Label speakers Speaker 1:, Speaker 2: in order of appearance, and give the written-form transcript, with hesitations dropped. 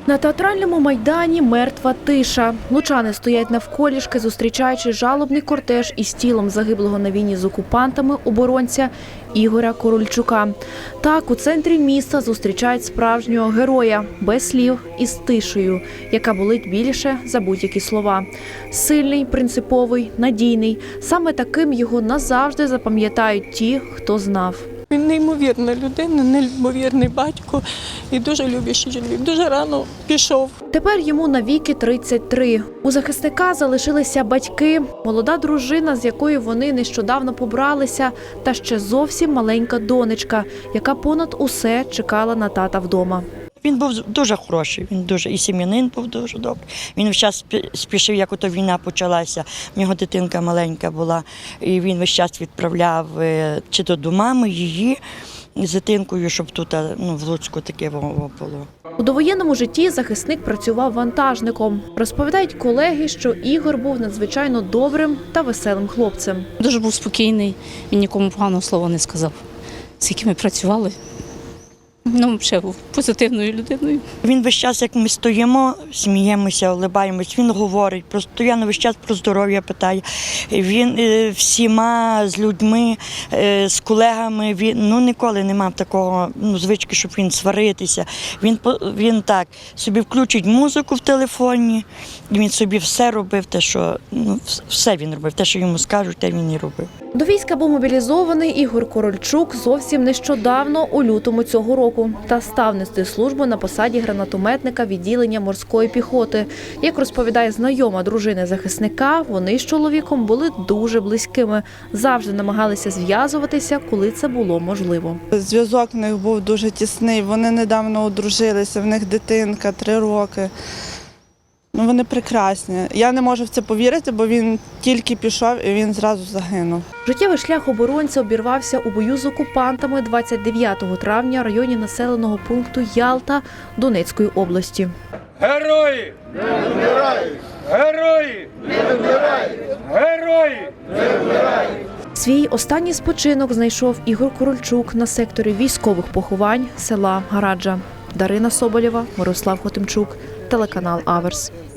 Speaker 1: На театральному майдані мертва тиша. Лучани стоять навколішки, зустрічаючи жалобний кортеж із тілом загиблого на війні з окупантами оборонця Ігоря Корольчука. Так, у центрі міста зустрічають справжнього героя, без слів і з тишею, яка болить більше за будь-які слова. Сильний, принциповий, надійний. Саме таким його назавжди запам'ятають ті, хто знав.
Speaker 2: Він неймовірна людина, неймовірний батько і дуже люблячий чоловік. Дуже рано пішов.
Speaker 1: Тепер йому навіки 33. У захисника залишилися батьки, молода дружина, з якою вони нещодавно побралися, та ще зовсім маленька донечка, яка понад усе чекала на тата вдома.
Speaker 3: Він був дуже хороший, він дуже і сім'янин був дуже добрий. Він весь час спішив, як ото війна почалася. В нього дитинка маленька була, і він весь час відправляв чи то до мами її з дитинкою, щоб тут в Луцьку таке було.
Speaker 1: У довоєнному житті захисник працював вантажником. Розповідають колеги, що Ігор був надзвичайно добрим та веселим хлопцем.
Speaker 4: Дуже був спокійний, він нікому поганого слова не сказав. Скільки ми працювали. Ще був позитивною людиною.
Speaker 3: Він весь час, як ми стоїмо, сміємося, улибаємось, він говорить, постійно весь час про здоров'я питає. Він всіма з людьми, з колегами, він ніколи не мав такого звички, щоб він сваритися. Він так собі включить музику в телефоні, і він собі все робив, все він робив, те, що йому скажуть, те він і робив.
Speaker 1: До війська був мобілізований Ігор Корольчук зовсім нещодавно, у лютому цього року, та став нести службу на посаді гранатометника відділення морської піхоти. Як розповідає знайома дружини захисника, вони з чоловіком були дуже близькими, завжди намагалися зв'язуватися, коли це було можливо.
Speaker 5: Зв'язок в них був дуже тісний, вони недавно одружилися, в них дитинка 3 роки. Вони прекрасні. Я не можу в це повірити, бо він тільки пішов і він зразу загинув.
Speaker 1: Життєвий шлях оборонця обірвався у бою з окупантами 29 травня в районі населеного пункту Ялта Донецької області.
Speaker 6: Герої! Не вмирають! Герої! Не вмирають! Герої! Не вмирають!
Speaker 1: Свій останній спочинок знайшов Ігор Корольчук на секторі військових поховань села Гараджа. Дарина Соболєва, Мирослав Хотимчук, телеканал Аверс.